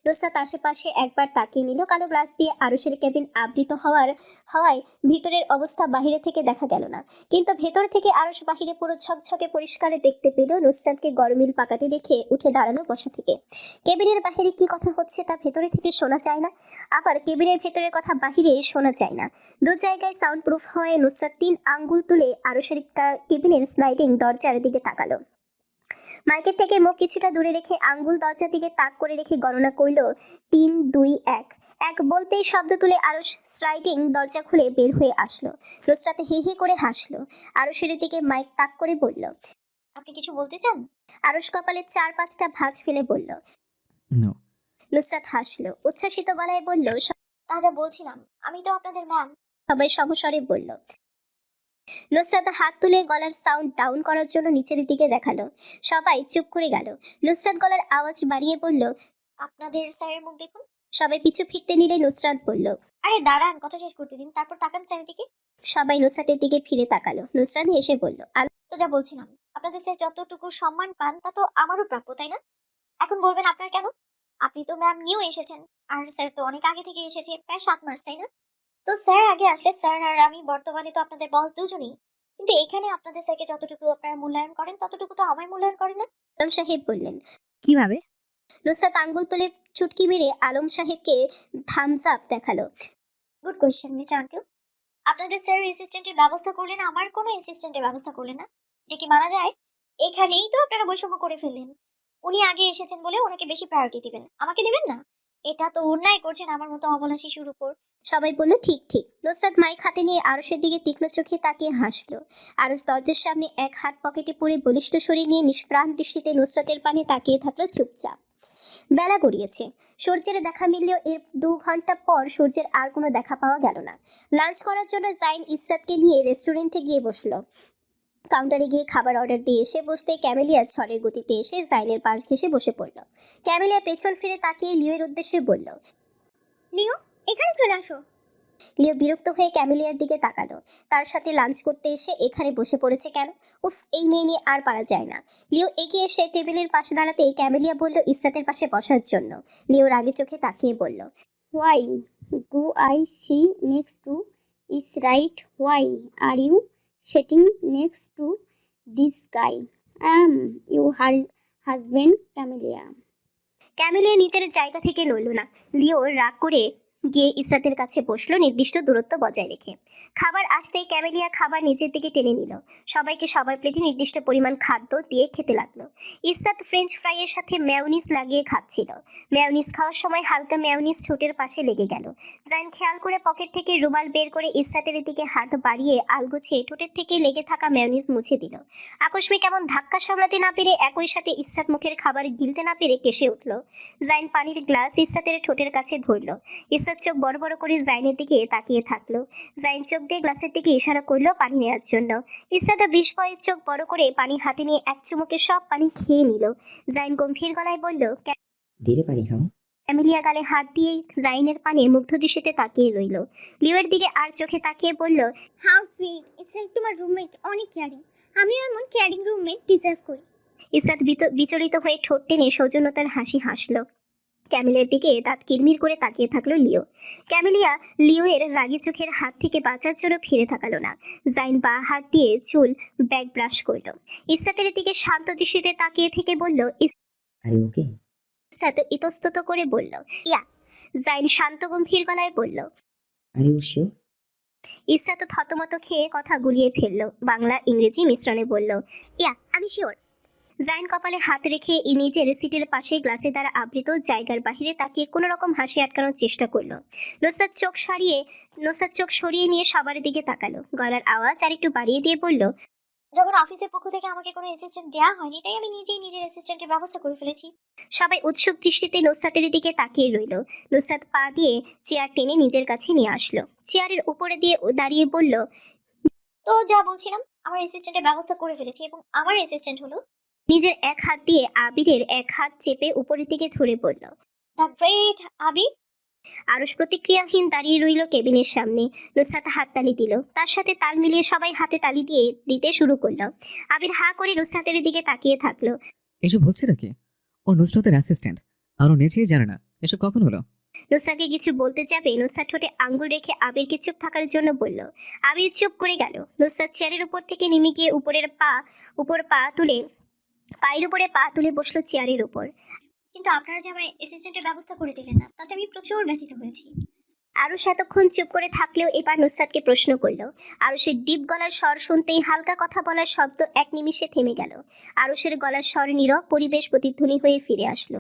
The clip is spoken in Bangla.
নুসরাত আশেপাশে একবার তাকিয়ে নিল। কালো গ্লাস দিয়ে আরুষের কেবিন আবৃত হওয়ায় ভিতরের অবস্থা বাইরে থেকে দেখা গেল না, কিন্তু ভেতর থেকে আরুষ বাহিরে পুরো ঝকঝকে পরিষ্কারে দেখতে পেল। নুসরাতকে গরমিল পাকাতে দেখে উঠে দাঁড়ালো বসা থেকে। কেবিনের বাহিরে কি কথা হচ্ছে তা ভেতরে থেকে শোনা যায় না, আবার কেবিনের ভেতরের কথা বাহিরে শোনা যায় না। দু জায়গায় সাউন্ড প্রুফ হয়ে নুসরাত 3 আঙ্গুল তুলে আরুষের কেবিনের স্লাইডিং দরজার দিকে তাকালো। মাইকের থেকে মুখ কিছুটা দূরে রেখে আঙ্গুল দরজার দিকে তাক করে রেখে গণনা করল 3 2 1। এক বলতেই শব্দ তুলে আরুষ স্লাইডিং দরজা খুলে বের হয়ে আসলো। নুসরাত হি হি করে হাসলো। আরুষের দিকে মাইক তাক করে বলল, আপনি কিছু বলতে চান? আরুষ কপালে 4-5টা ভাঁজ ফেলে বলল, নো। নুসরাত হাসলো, উচ্ছ্বাসিত গলায় বলল, তা যা বলছিলাম, আমি তো আপনাদের ম্যাম। সবাই সমস্বরে বলল। নুসরাত হাত তুলে গলার সাউন্ড ডাউন করার জন্য নিচের দিকে দেখালো। সবাই চুপ করে গেল। নুসরাত গলার আওয়াজ বাড়িয়ে বলল, আপনাদের স্যারের মুখ দেখুন। সবাই পিছু ফিরতে নিলে নুসরাত বলল, আরে দাঁড়ান, কথা শেষ করতে দিন, তারপর তাকান স্যারের দিকে। সবাই নুসরাতের দিকে ফিরে তাকালো। নুসরাত হেসে বলল, তো যা বলছিলাম, আপনাদের স্যার যতটুকু সম্মান পান তা তো আমারও প্রাপ্য, তাই না? এখন বলবেন আপনার কেন? আপনি তো ম্যাম নিউ এসেছেন, আর স্যার তো অনেক আগে থেকে এসেছে, প্রায় 7 মাস, তাই না? তো স্যার আগে আসলে স্যার আর আমি বর্তমানে তো আপনাদের বস দুজনেই, কিন্তু এখানে আপনাদের স্যারকে যতটুকু আপনারা মূল্যায়ন করেন ততটুকু তো আমায় মূল্যায়ন করেন না। আলম সাহেব বললেন। কিভাবে? নুসরাত আঙ্গুল তুলে চুটকি মেরে আলম সাহেবকে থামস আপ দেখালো। Good question mister uncle. আপনাদের স্যার অ্যাসিস্ট্যান্টের ব্যবস্থা করলেন, আমার কোনো অ্যাসিস্ট্যান্টের ব্যবস্থা করলেন না, এটা কি মানা যায়? এখানেই তো আপনারা বৈষম্য করে ফেললেন। উনি আগে এসেছেন বলে ওনাকে বেশি প্রায়োরিটি দিবেন, আমাকে দিবেন না? এটা তো অন্যায় করছেন আমার মতো অবলা শিশুর উপর। সবাই বলল ঠিক ঠিক। নুসরাত মাইক হাতে নিয়ে আরুষের দিকে তীক্ষ্ণ চোখে তাকিয়ে হাসলো। আরুষ দরজার সামনে এক হাত পকেটে পুরে বলিষ্ঠ শরীর নিয়ে নিষ্প্রাণ দৃষ্টিতে নুসরাতের পানে তাকিয়ে থাকলো চুপচাপ। বেলা গড়িয়েছে। সূর্যের দেখা মিললেও এর 2 ঘন্টা পর সূর্যের আর কোনো দেখা পাওয়া গেল না। লাঞ্চ করার জন্য জাইন ইসরাতকে নিয়ে রেস্টুরেন্টে গিয়ে বসলো। কাউন্টারে গিয়ে খাবার অর্ডার দিয়ে এসে বসতে ক্যামেলিয়া ঝড়ের গতিতে এসে জাইনের পাশ ঘেঁষে বসে পড়ল। ক্যামেলিয়া পেছন ফিরে তাকিয়ে লিওর উদ্দেশ্যে বলল, লিও, এখানে চলে আসো। লিও বিরক্ত হয়ে ক্যামেলিয়ার দিকে তাকালো। তার সাথে লাঞ্চ করতে এসে এখানে বসে পড়েছে কেন? উফ, এই মেয়ে নিয়ে আর পারা যায় না। লিও এগিয়ে এসে টেবিলের পাশে দাঁড়াতেই ক্যামেলিয়া বলল ইসরাতের পাশে বসার জন্য। লিও রাগে চোখে তাকিয়ে বলল, why go I see next to is right, why are you sitting next to this guy? You husband Camellia. Camellia নিজের জায়গা থেকে নড়ল না। লিও রাগ করে গিয়ে ইসরাতের কাছে বসলো, নির্দিষ্ট দূরত্ব বজায় রেখে। খাবার আসতেই ক্যামেলিয়া খাবার নিচের দিকে টেনে নিল। সবাইকে সবার প্লেটে নির্দিষ্ট পরিমাণ খাদ্য দিয়ে খেতে লাগলো। ইসরাত ফ্রেঞ্চ ফ্রাইয়ের সাথে মেয়োনিজ লাগিয়ে খাচ্ছিল। মেয়োনিজ খাওয়ার সময় হালকা মেয়োনিজ ঠোঁটের পাশে লেগে গেল। জাইন খেয়াল করে পকেট থেকে রুমাল বের করে ইসরাতের দিকে হাত বাড়িয়ে আলগোছে ঠোঁটের থেকে লেগে থাকা মেয়োনিজ মুছে দিল। আকস্মিক এমন ধাক্কা সামলাতে না পেরে একই সাথে ইসরাত মুখের খাবার গিলতে না পেরে কেসে উঠল। জাইন পানির গ্লাস ইসরাতের ঠোঁটের কাছে ধরল। ইসরাত চোখ বড় বড় করে জাইনের দিকে তাকিয়ে থাকলো। জাইন চোখ দিয়ে গ্লাসের দিকে ইশারা করলো পানি নেওয়ার জন্য। ইসরাত বিস্ময়ে চোখ বড় করে পানি হাতে নিয়ে এক চুমুকে সব পানি খেয়ে নিল। জাইন গম্ভীর গলায় বলল, ধীরে পানি খাও। ক্যামেলিয়া গালে হাত দিয়ে জাইনের পানে মুগ্ধ দৃষ্টিতে তাকিয়ে রইল। লিওর দিকে আর চোখে তাকিয়ে বলল, হাউ সুইট, ইসরাত তোমার রুমমেট অনেক কেয়ারিং, আমিও এমন কেয়ারিং রুমমেট ডিজার্ভ করি। ইসরাত বিচলিত হয়ে ঠোঁট টেনে সৌজন্যতার হাসি হাসলো। ক্যামেলিয়ার দিকে দাঁত কিরমির করে তাকিয়ে থাকলো লিও। ক্যামেলিয়া লিওয়ের রাগী চোখের হাত থেকে বাঁচার জন্য ফিরে তাকালো না। জাইন বা হাত দিয়ে চুল ব্যাক ব্রাশ করলো। ইসরাতের দিকে শান্ত দৃষ্টিতে তাকিয়ে থেকে বলল, আরে ওকে? ইসরাত ইতস্তত করে বলল, ইয়া। জাইন শান্ত গম্ভীর গলায় বলল, আরে ও শিওর? ইসরাত থতমত খেয়ে কথা গুলিয়ে ফেললো। বাংলা ইংরেজি মিশ্রণে বলল, ইয়া, আমি শিওর। জাইন কপালে হাত রেখে নিজের সিটের পাশে গ্লাসে দ্বারা আবৃত জায়গার বাহিরে তাকিয়ে কোনো রকম হাসি আটকানোর চেষ্টা করলো। নুসরাত চোখ সরিয়ে নিয়ে সবার দিকে তাকালো। গলার আওয়াজ আর একটু বাড়িয়ে দিয়ে বলল, যখন অফিসের পক্ষ থেকে আমাকে কোনো অ্যাসিস্ট্যান্ট দেওয়া হয়নি, তাই আমি নিজেই নিজের অ্যাসিস্ট্যান্টের ব্যবস্থা করে ফেলেছি। সবাই উৎসুক দৃষ্টিতে নুসরাতের দিকে তাকিয়ে রইল। নুসরাত পা দিয়ে চেয়ার টেনে নিজের কাছে নিয়ে আসলো। চেয়ারের উপরে দিয়ে দাঁড়িয়ে বলল, তো যা বলছিলাম, আমার অ্যাসিস্ট্যান্টের ব্যবস্থা করে ফেলেছি এবং আমার অ্যাসিস্ট্যান্ট হলো। নিজের এক হাত দিয়ে আবিরের এক হাত চেপে উপরের দিকে ধরে বলল, দ্য গ্রেট আবির। আরুষ প্রতিক্রিয়াহীন দাঁড়িয়ে রইল কেবিনের সামনে। নুসরাত হাত তালি দিল। তার সাথে তাল মিলিয়ে সবাই হাতে তালি দিতে শুরু করলো। আবির হা করে নুসরাতের দিকে তাকিয়ে থাকলো। এসব হচ্ছে নাকি? ও নুসরাতের অ্যাসিস্ট্যান্ট, আরো নেচেই জানে না এসব কখন হলো। নুসরাতকে কিছু বলতে যাবে নুসরাত ঠোঁটে আঙ্গুল রেখে আবিরকে চুপ থাকার জন্য বলল। আবির চুপ করে গেল। নুসরাত চেয়ারের উপর থেকে নেমে গিয়ে পায়ের উপরে পা তুলে বসলো চেয়ারের উপর। কিন্তু আপনারা যে আমায় অ্যাসিস্ট্যান্টের ব্যবস্থা করে দিলেন না, তাতে আমি প্রচুর ব্যথিত হয়েছি। আরুষ এতক্ষণ চুপ করে থাকলেও এবার নুসরাতকে প্রশ্ন করলো। আরুষের ডিপ গলার স্বর শুনতেই হালকা কথা বলার শব্দ এক নিমিষে থেমে গেল। আরুষের গলার স্বর নীরব, পরিবেশ প্রতিধ্বনি হয়ে ফিরে আসলো।